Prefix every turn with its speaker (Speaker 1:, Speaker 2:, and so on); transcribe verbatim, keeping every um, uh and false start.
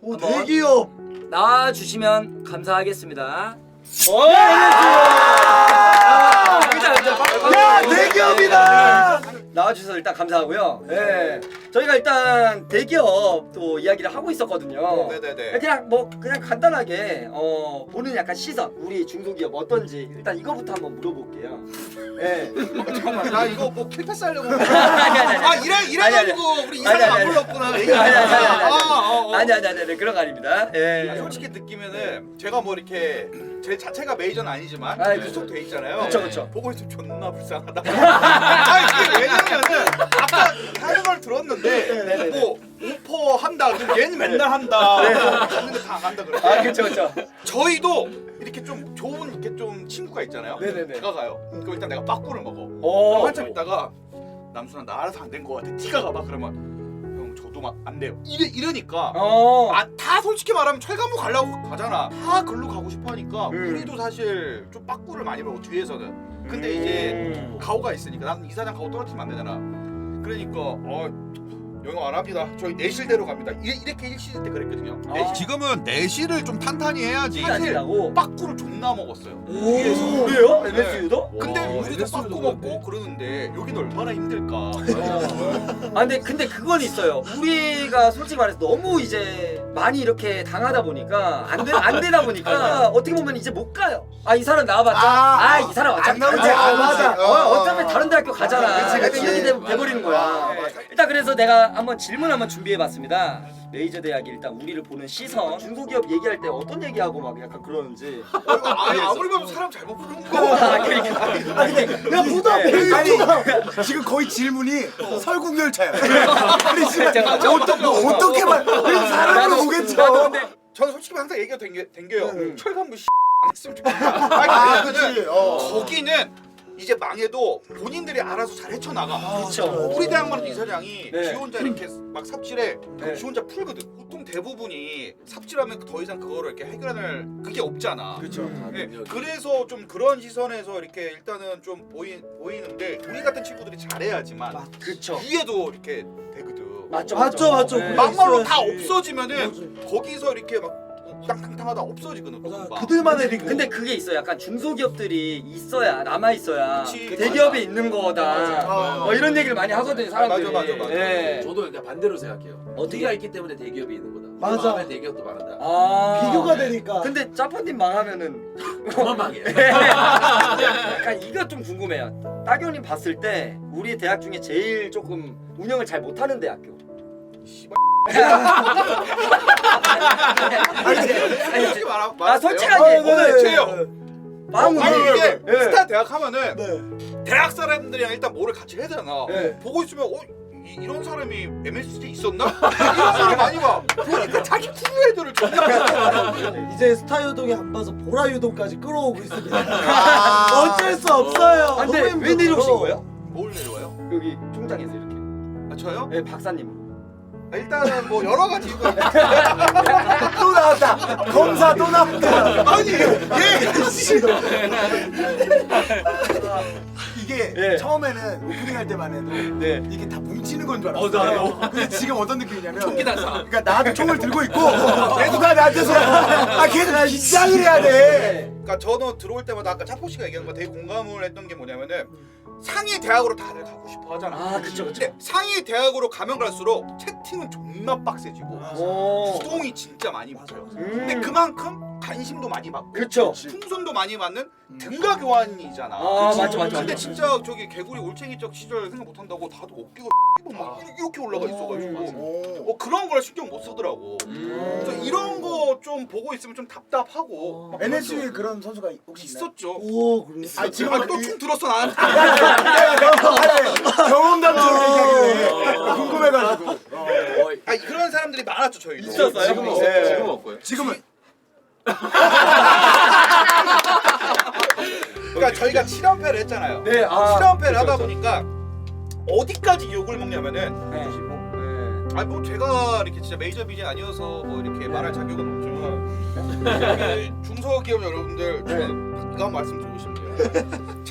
Speaker 1: 오, 대기업
Speaker 2: 나와주시면 감사하겠습니다.
Speaker 1: 오! 야, 대기업이다!
Speaker 2: 나와주셔서 일단 감사하고요. 네. 저희가 일단 대기업 또 이야기를 하고 있었거든요.
Speaker 3: 네네네.
Speaker 2: 그냥 뭐 그냥 간단하게 어, 보는 약간 시선, 우리 중소기업 어떤지 일단 이거부터 한번 물어볼게요. 네.
Speaker 3: 잠깐만, 나 이거 뭐 킬패스 하려고.
Speaker 2: 아니, 아니, 아니.
Speaker 3: 아 이래 이래가지고 우리 이
Speaker 2: 아니,
Speaker 3: 사람
Speaker 2: 아니,
Speaker 3: 안 불렀구나.
Speaker 2: 아니, 아니, 아니, 아니, 아니.
Speaker 3: 아, 어, 어.
Speaker 2: 아니 아니 아니 아니 그런 거 아닙니다. 예.
Speaker 3: 아, 솔직히 느끼면은 제가 뭐 이렇게 제 자체가 메이저는 아니지만
Speaker 2: 아이,
Speaker 3: 구속 돼 있잖아요.
Speaker 2: 그쵸, 그쵸.
Speaker 3: 보고 있으면 존나 불쌍하다. 아니 그게 왜냐면은 아까 하는 걸 들었는데 뭐 오퍼 한다. 그럼 얘는 맨날 한다. 했는데 다 안 한다 그래.
Speaker 2: 아 그렇죠 그렇죠.
Speaker 3: 저희도 이렇게 좀 좋은 이렇게 좀 친구가 있잖아요.
Speaker 2: 네네네.
Speaker 3: 다가가요. 그럼 일단 내가 빠꾸를 먹어.
Speaker 2: 오.
Speaker 3: 한참 있다가 남순아 나 알아서 안 된 거 같아. 티가 가봐. 그러면 형 저도 막 안 돼요. 이래 이러니까.
Speaker 2: 어.
Speaker 3: 아, 다 솔직히 말하면 철가무 가려고 가잖아. 다 글로 가고 싶어 하니까
Speaker 2: 음.
Speaker 3: 우리도 사실 좀 빠꾸를 많이 먹어 뒤에서는. 근데
Speaker 2: 음.
Speaker 3: 이제 가오가 있으니까 나는 이사장 가오 떨어뜨리면 안 되잖아. 그러니까 어 영어 안 합니다. 저희 내실대로 갑니다. 이- 이렇게 일시일 때 그랬거든요.
Speaker 2: 아.
Speaker 3: 내실.
Speaker 4: 지금은 내실을 좀 탄탄히 해야지.
Speaker 3: 사실
Speaker 2: 아니라고.
Speaker 3: 빠꾸를 존나 먹었어요.
Speaker 2: 오. 그래요?
Speaker 3: 네.
Speaker 2: 엠에스유도?
Speaker 3: 근데
Speaker 1: 와,
Speaker 3: 우리도
Speaker 1: 엠에스유도
Speaker 3: 빠꾸 먹고 그러는데 여긴 얼마나 힘들까.
Speaker 2: 아 근데 근데 그건 있어요. 우리가 솔직히 말해서 너무 이제 많이 이렇게 당하다 보니까 안, 되, 안 되다 보니까 어떻게 보면 이제 못 가요. 아 이 사람 나와봤자 아 이 사람 어차피
Speaker 1: 안 나오지.
Speaker 2: 다른
Speaker 1: 아, 맞아.
Speaker 2: 어, 어차피 다른 대학교 가잖아.
Speaker 1: 그치, 그치.
Speaker 2: 이렇게 돼- 돼버리는 거야.
Speaker 3: 아, 맞아.
Speaker 2: 일단 그래서 내가 한번 질문 한번 준비해봤습니다. 메이저 대학이 일단 우리를 보는 시선, 중소기업 얘기할 때 어떤 얘기하고 막 약간 그러는지.
Speaker 3: 어, 이거 아니 아무리 봐도 사람 잘못 부르는 거.
Speaker 2: 아 그러니까.
Speaker 1: 아니 근데 야 부담
Speaker 2: 네.
Speaker 1: 아니 지금 거의 질문이 설국열차야. 아니 지금 어떻게 뭐 어떻게 말 사람을
Speaker 2: 나도-
Speaker 1: 보겠죠.
Speaker 2: 나도 근데
Speaker 3: 저는 솔직히 항상 얘기가 댕겨, 댕겨요.
Speaker 1: 음.
Speaker 3: 철간부 씨 안 했으면 좋겠다.
Speaker 1: 아
Speaker 3: 아니,
Speaker 1: 그치.
Speaker 3: 왜냐면은
Speaker 1: 어.
Speaker 3: 거기는 이제 망해도 본인들이 알아서 잘 헤쳐나가.
Speaker 2: 그쵸.
Speaker 3: 우리 대학만 해도 이사장이
Speaker 2: 네.
Speaker 3: 지 혼자 이렇게 막 삽질해.
Speaker 2: 네.
Speaker 3: 지 혼자 풀거든. 보통 대부분이 삽질하면 더 이상 그거를 이렇게 해결할 그게 없잖아.
Speaker 1: 그쵸.
Speaker 3: 네, 그래서 좀 그런 시선에서 이렇게 일단은 좀 보이, 보이는데 우리 같은 친구들이 잘해야지만
Speaker 2: 그쵸.
Speaker 3: 위에도 이렇게 되거든.
Speaker 2: 맞죠
Speaker 1: 맞죠, 맞죠.
Speaker 2: 네.
Speaker 3: 막말로 다
Speaker 1: 있어야지.
Speaker 3: 없어지면은 거기서 이렇게 막 우당탕탕하다 없어지거든.
Speaker 1: 맞아.
Speaker 3: 금방.
Speaker 1: 그들만의 리그.
Speaker 2: 근데 그게 있어. 약간 중소기업들이 있어야 남아 있어야
Speaker 3: 그치.
Speaker 2: 대기업에 있는 거다.
Speaker 1: 맞아.
Speaker 2: 뭐 이런 얘기를 많이 하거든요, 사람들이.
Speaker 3: 맞아, 맞아, 맞아.
Speaker 2: 예.
Speaker 5: 저도 그러니까 반대로 생각해요.
Speaker 2: 어떻게?
Speaker 5: 우리가 있기 때문에 대기업이 있는 거다.
Speaker 1: 맞아.
Speaker 5: 망하면 대기업도 망한다.
Speaker 2: 아.
Speaker 1: 비교가 되니까.
Speaker 2: 근데 짜파님 망하면은
Speaker 5: 그만 망해.
Speaker 2: 약간 이거 좀 궁금해요. 따교님 봤을 때 우리 대학 중에 제일 조금 운영을 잘 못하는 대학교. 아니,
Speaker 3: 솔직히 말하
Speaker 2: 아 솔직하게
Speaker 1: 아, 네.
Speaker 2: 오늘
Speaker 3: 제요.
Speaker 2: 마음
Speaker 3: 아니 이게
Speaker 2: 예.
Speaker 3: 스타 대학 하면은
Speaker 1: 네.
Speaker 3: 대학 사람들이랑 일단 뭐를 같이 해야 되잖아.
Speaker 2: 네.
Speaker 3: 보고 있으면 어 이, 이런 사람이 엠에스지 있었나? 이런 사람 많이 봐. 보니까 자기 크루 애들을 존나.
Speaker 1: 이제 스타 유동이 안 봐서 보라 유동까지 끌어오고 있습니다. 어쩔 수 없어요.
Speaker 2: 아, 근데
Speaker 1: 너무
Speaker 2: 왜
Speaker 1: 힘들어.
Speaker 2: 내려오신 거예요?
Speaker 3: 뭘 내려와요?
Speaker 2: 여기 총장에서 이렇게.
Speaker 3: 아 저요?
Speaker 2: 예, 박사님.
Speaker 3: 아, 일단은 뭐 여러 가지 이유가 있
Speaker 1: 또 나왔다. 검사 또 나왔다.
Speaker 3: 아니 얘
Speaker 1: 씨. 이게
Speaker 2: 예.
Speaker 1: 처음에는 오프닝 할 때만 해도
Speaker 2: 네.
Speaker 1: 이게 다 뭉치는 건 줄 알았어.
Speaker 5: 어, 나도.
Speaker 1: 근데 지금 어떤 느낌이냐면
Speaker 5: 총기단사.
Speaker 1: 그러니까 나도 총을 들고 있고 누가 나한테서 아 걔는 긴장을 해야 돼.
Speaker 3: 그러니까 저는 들어올 때마다 아까 차포 씨가 얘기한 거 되게 공감을 했던 게 뭐냐면은 상위 대학으로 다들 가고 싶어 하잖아.
Speaker 2: 아, 그쵸, 그쵸.
Speaker 3: 근데 상위 대학으로 가면 갈수록 채팅은 존나 빡세지고
Speaker 2: 오.
Speaker 3: 구동이 진짜 많이 붙어요.
Speaker 2: 음.
Speaker 3: 근데 그만큼 관심도 많이 받고
Speaker 2: 그쵸.
Speaker 3: 풍선도 많이 받는 등가 교환이잖아.
Speaker 2: 아,
Speaker 3: 그치?
Speaker 2: 맞죠, 맞죠,
Speaker 3: 근데
Speaker 2: 맞죠.
Speaker 3: 진짜 저기 개구리 올챙이적 시절 생각 못 한다고 다들 어깨가 막 이렇게 올라가 있어가지고
Speaker 1: 오.
Speaker 3: 어 그런 걸 신경 못 쓰더라고. 그래서 이런 거 좀 보고 있으면 좀 답답하고 막
Speaker 1: 엔에스유에 그런 선수가 혹시 있나요?
Speaker 3: 있었죠.
Speaker 1: 오 그래.
Speaker 3: 아 지금 또총 들었어 나는.
Speaker 1: 경험담처럼 얘기하길래 궁금해가지고.
Speaker 3: 아 그런 사람들이 많았죠 저희도.
Speaker 2: 있었어요?
Speaker 5: 지금
Speaker 2: 네.
Speaker 5: 없어요. 지금 없고요.
Speaker 1: 지금은
Speaker 3: 그러니까 저희가 칠 연패를 했잖아요.
Speaker 2: 네, 아.
Speaker 3: 칠 연패를 하다
Speaker 2: 그쵸,
Speaker 3: 보니까 어디까지 욕을 먹냐면은
Speaker 2: 네. 네.
Speaker 3: 아니 뭐 제가 이렇게 진짜 메이저 비전 아니어서 뭐 이렇게 말할 자격은 없지만 여기 중소기업 여러분들 저는 이거 한 말씀 드리고 싶네요.